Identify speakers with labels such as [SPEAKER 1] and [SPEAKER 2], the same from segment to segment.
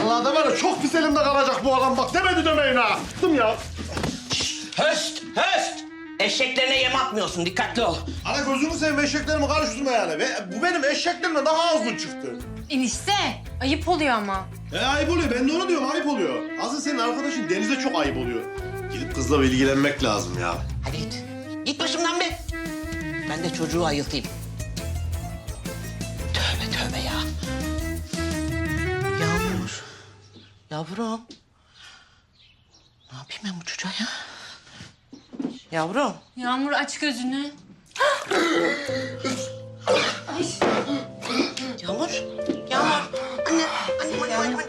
[SPEAKER 1] Vallahi da var ya çok pis elimde kalacak bu adam bak demedi demeyin ha. Bıktım ya.
[SPEAKER 2] Höst, höst! Eşeklerine yem atmıyorsun, dikkatli ol.
[SPEAKER 1] Ana gözünü seveyim eşeklerimi karıştırma yani. Bu benim eşeklerimle daha azgın çıktı.
[SPEAKER 3] Enişte, ayıp oluyor ama.
[SPEAKER 1] Ayıp oluyor. Ben de onu diyorum ayıp oluyor. Aslında senin arkadaşın Deniz'e çok ayıp oluyor. Gidip kızla ilgilenmek lazım ya.
[SPEAKER 2] Hadi git. Git başımdan be. Ben de çocuğu ayıltayım. Tövbe tövbe ya. Yağmur. Yavrum. Ne yapayım ben bu çocuğa ya? Yavrum.
[SPEAKER 3] Yağmur aç gözünü.
[SPEAKER 2] Yağmur. Yağmur. Anne.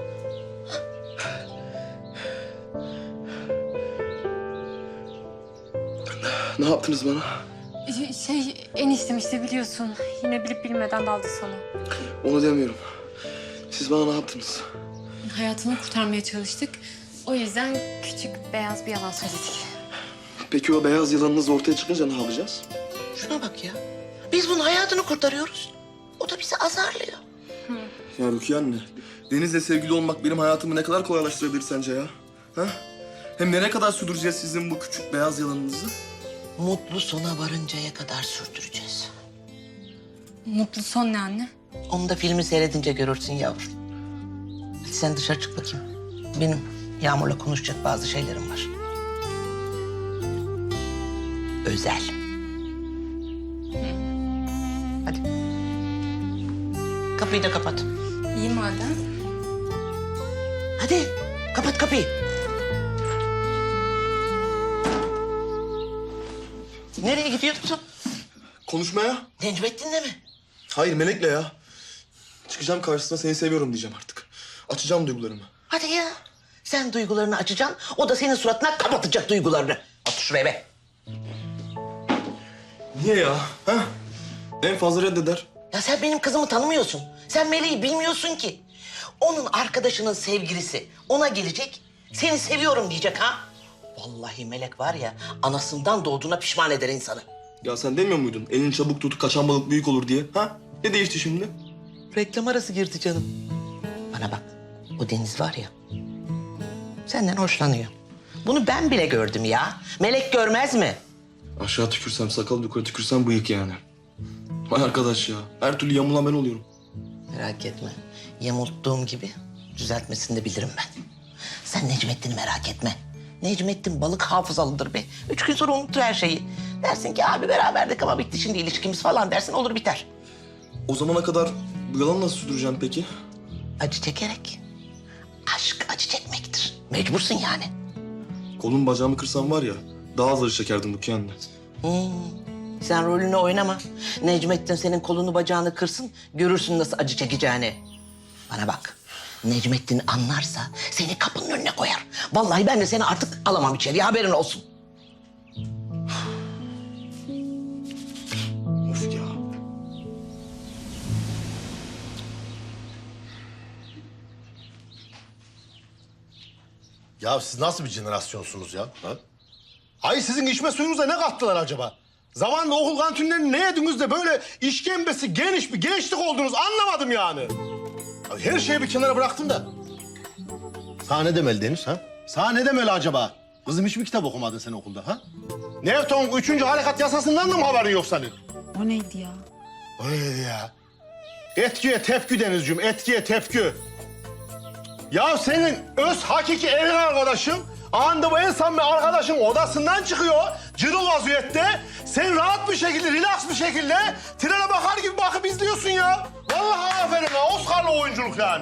[SPEAKER 4] Ne yaptınız bana?
[SPEAKER 3] Eniştem işte biliyorsun. Yine bilip bilmeden daldı sana.
[SPEAKER 4] Onu demiyorum. Siz bana ne yaptınız?
[SPEAKER 3] Hayatını kurtarmaya çalıştık. O yüzden küçük beyaz bir yalan söyledik.
[SPEAKER 4] Peki o beyaz yılanınız ortaya çıkınca ne yapacağız?
[SPEAKER 2] Şuna bak ya. Biz bunun hayatını kurtarıyoruz. O da bizi azarlıyor.
[SPEAKER 4] Ya Rukiye anne, Deniz'le sevgili olmak benim hayatımı ne kadar kolaylaştırabilir sence ya? Ha? Hem nereye kadar sürdüreceğiz sizin bu küçük beyaz yalanınızı?
[SPEAKER 2] Mutlu sona varıncaya kadar sürdüreceğiz.
[SPEAKER 3] Mutlu son ne anne?
[SPEAKER 2] Onu da filmi seyredince görürsün yavrum. Hadi sen dışarı çık bakayım. Benim Yağmur'la konuşacak bazı şeylerim var. Özel. Hadi. Kapıyı da kapat.
[SPEAKER 3] İyi madem.
[SPEAKER 2] Hadi kapat kapıyı. Nereye gidiyorsun?
[SPEAKER 4] Konuşmaya?
[SPEAKER 2] Necmettin'le mi?
[SPEAKER 4] Hayır, Melek'le ya. Çıkacağım karşısına seni seviyorum diyeceğim artık. Açacağım duygularımı.
[SPEAKER 2] Hadi ya. Sen duygularını açacaksın, o da senin suratına kapatacak duygularını. Otur şuraya be.
[SPEAKER 4] Niye ya? Ha? En fazla reddeder.
[SPEAKER 2] Ya sen benim kızımı tanımıyorsun. Sen Meleği bilmiyorsun ki. Onun arkadaşının sevgilisi ona gelecek, seni seviyorum diyecek ha. Vallahi Melek var ya, anasından doğduğuna pişman eder insanı.
[SPEAKER 4] Ya sen demiyor muydun? Elini çabuk tut, kaçan balık büyük olur diye. Ha? Ne değişti şimdi?
[SPEAKER 2] Reklam arası girdi canım. Bana bak, o Deniz var ya, senden hoşlanıyor. Bunu ben bile gördüm ya. Melek görmez mi?
[SPEAKER 4] Aşağı tükürsem sakal, yukarı tükürsem bıyık yani. Vay arkadaş ya. Her türlü yamulan ben oluyorum.
[SPEAKER 2] Merak etme. Yamulttuğum gibi düzeltmesini de bilirim ben. Sen Necmettin'i merak etme. Necmettin balık hafızalıdır be. 3 gün sonra unutur her şeyi. Dersin ki abi beraberdik ama bitti şimdi ilişkimiz falan dersin, olur biter.
[SPEAKER 4] O zamana kadar bu yalanı nasıl sürdüreceğim peki?
[SPEAKER 2] Acı çekerek. Aşk acı çekmektir. Mecbursun yani.
[SPEAKER 4] Kolum bacağımı kırsam var ya, daha az acı çekerdim Rukiye anne.
[SPEAKER 2] Sen rolünü oynama. Necmettin senin kolunu bacağını kırsın, görürsün nasıl acı çekeceğini. Bana bak. Necmettin anlarsa seni kapının önüne koyar. Vallahi ben de seni artık alamam içeriye, haberin olsun.
[SPEAKER 4] Of ya.
[SPEAKER 1] Ya siz nasıl bir jenerasyonsunuz ya? Ha? Ay sizin içme suyunuza ne kattılar acaba? Zamanla okul kantinlerini ne yediniz de böyle işkembesi geniş bir gençlik oldunuz anlamadım yani. Ya her şeyi bir kenara bıraktım da. Sana ne demeli Deniz ha? Sana ne demeli acaba? Kızım hiç mi kitap okumadın sen okulda ha? Newton'un 3. harekat yasasından da mı haberin yok senin?
[SPEAKER 3] O neydi ya?
[SPEAKER 1] O neydi ya? Etkiye tepki Denizciğim, etkiye tepki. Ya senin öz hakiki evin arkadaşın, anda bu en samimi arkadaşın odasından çıkıyor, cırıl vaziyette. Sen rahat bir şekilde, relax bir şekilde trene bakar gibi bakıp izliyorsun ya. Vallahi aferin ha, Oscar'lı oyunculuk yani.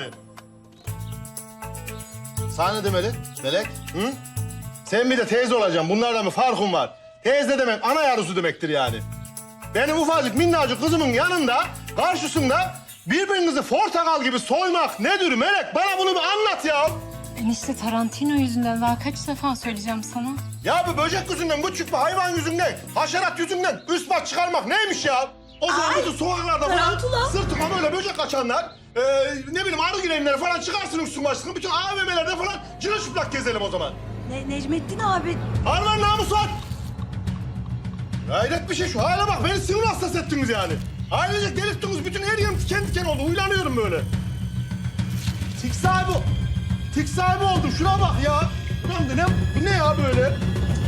[SPEAKER 1] Sana ne demeli Melek? Hı? Sen bir de teyze olacaksın, bunlardan bir farkın var. Teyze demek ana yarısı demektir yani. Benim ufacık minnacık kızımın yanında, karşısında birbirinizi portakal gibi soymak nedir Melek? Bana bunu bir anlat ya.
[SPEAKER 3] Enişte Tarantino yüzünden daha kaç defa söyleyeceğim sana.
[SPEAKER 1] Ya bu böcek yüzünden, bu çıkma hayvan yüzünden, haşerat yüzünden üst baş çıkarmak neymiş ya? O zaman bütün sokaklarda falan sırtıma böyle böcek kaçanlar, ne bileyim arı girenleri falan çıkarsın üstün başını. Bütün AVM'lerde falan cırılçıplak gezelim o zaman.
[SPEAKER 5] Necmettin abi.
[SPEAKER 1] Harman namus var. Hayret bir şey şu hale bak, beni sinir hastası ettiniz yani. Ailecek delirttiniz, bütün her yerim diken diken oldu, uylanıyorum böyle. Tik sahibi oldum. Şuna bak ya. Ulan bu ne ya böyle?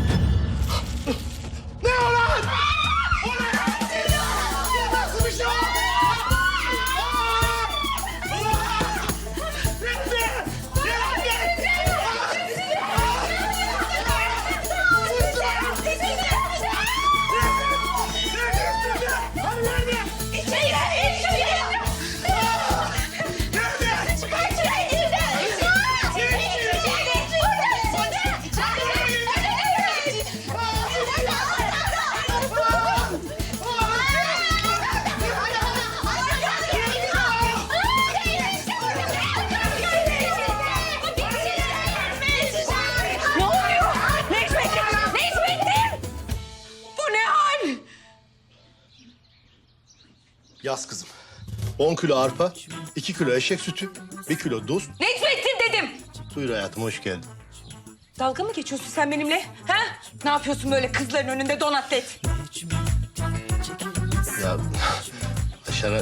[SPEAKER 1] Ne o lan? O ne ya? Nasıl bir şey o? Yaz kızım. 10 kilo arpa, 2 kilo eşek sütü, 1 kilo tuz.
[SPEAKER 5] Necmettin dedim.
[SPEAKER 1] Buyur hayatım, hoş geldin.
[SPEAKER 5] Dalga mı geçiyorsun sen benimle? Ha? Ne yapıyorsun böyle kızların önünde don atlet?
[SPEAKER 1] Ya aşağı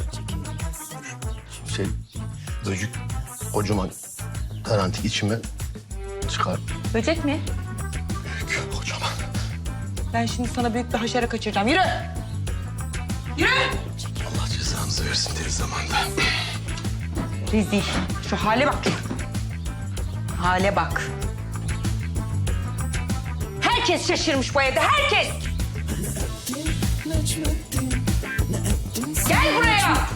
[SPEAKER 1] böcük kocaman karantik içime çıkar.
[SPEAKER 5] Böcek mi?
[SPEAKER 1] Büyük, kocaman.
[SPEAKER 5] Ben şimdi sana büyük bir haşere kaçıracağım. Yürü! Yürü!
[SPEAKER 1] Allah cezanızı versin tez zamanda.
[SPEAKER 5] Rezil. Şu hale bak. Hale bak. Herkes şaşırmış bu evde, herkes. Gel buraya.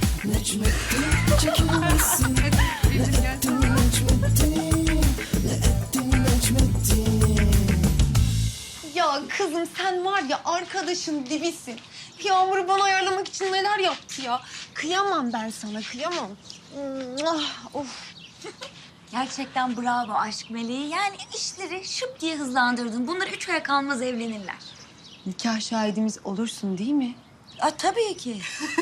[SPEAKER 3] Ya kızım sen var ya arkadaşın dibisin. Yağmur'u bana ayarlamak için neler yaptı ya. Kıyamam ben sana, kıyamam. Of.
[SPEAKER 6] Gerçekten bravo aşk meleği. Yani işleri şıp diye hızlandırdın. Bunlar 3 aya kalmaz evlenirler.
[SPEAKER 3] Nikah şahidimiz olursun değil mi?
[SPEAKER 6] Tabii ki.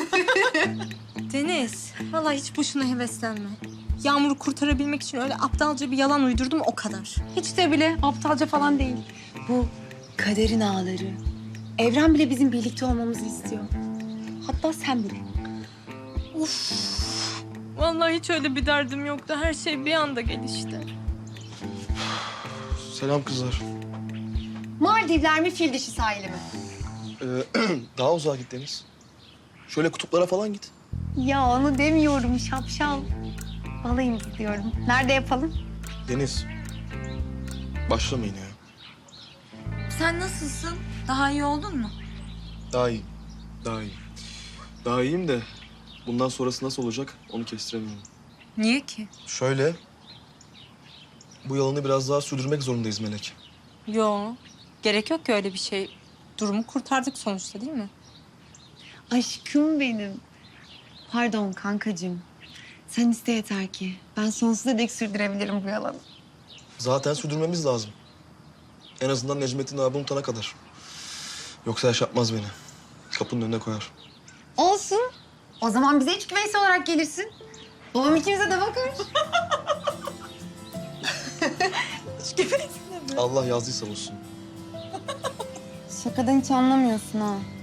[SPEAKER 7] Deniz, vallahi hiç boşuna heveslenme. Yağmur'u kurtarabilmek için öyle aptalca bir yalan uydurdum o kadar. Hiç de bile aptalca falan değil.
[SPEAKER 3] Bu kaderin ağları. Evren bile bizim birlikte olmamızı istiyor. Hatta sen bile.
[SPEAKER 7] Vallahi hiç öyle bir derdim yoktu. Her şey bir anda gelişti.
[SPEAKER 4] Selam kızlar.
[SPEAKER 3] Maldivler mi, fil dişi sahili mi?
[SPEAKER 4] Daha uzağa git Deniz. Şöyle kutuplara falan git.
[SPEAKER 3] Ya onu demiyorum şapşal. Balayım diyorum. Nerede yapalım?
[SPEAKER 4] Deniz. Başlamayın ya.
[SPEAKER 6] Sen nasılsın? Daha iyi oldun mu?
[SPEAKER 4] Daha iyi. Daha iyi. Daha iyiyim de bundan sonrası nasıl olacak onu kestiremiyorum.
[SPEAKER 7] Niye ki?
[SPEAKER 4] Şöyle. Bu yalanı biraz daha sürdürmek zorundayız Melek.
[SPEAKER 7] Yo, gerek yok ki öyle bir şey. Durumu kurtardık sonuçta değil mi?
[SPEAKER 3] Aşkım benim. Pardon kankacığım. Sen iste yeter ki. Ben sonsuza dek sürdürebilirim bu yalanı.
[SPEAKER 4] Zaten sürdürmemiz lazım. En azından Necmettin abi unutana kadar. Yoksa yaşatmaz beni. Kapının önüne koyar.
[SPEAKER 3] Olsun. O zaman bize iç güveysi olarak gelirsin. Babam ikimize de bakar.
[SPEAKER 4] Allah yazdıysa olsun.
[SPEAKER 3] Şakadan hiç anlamıyorsun ha.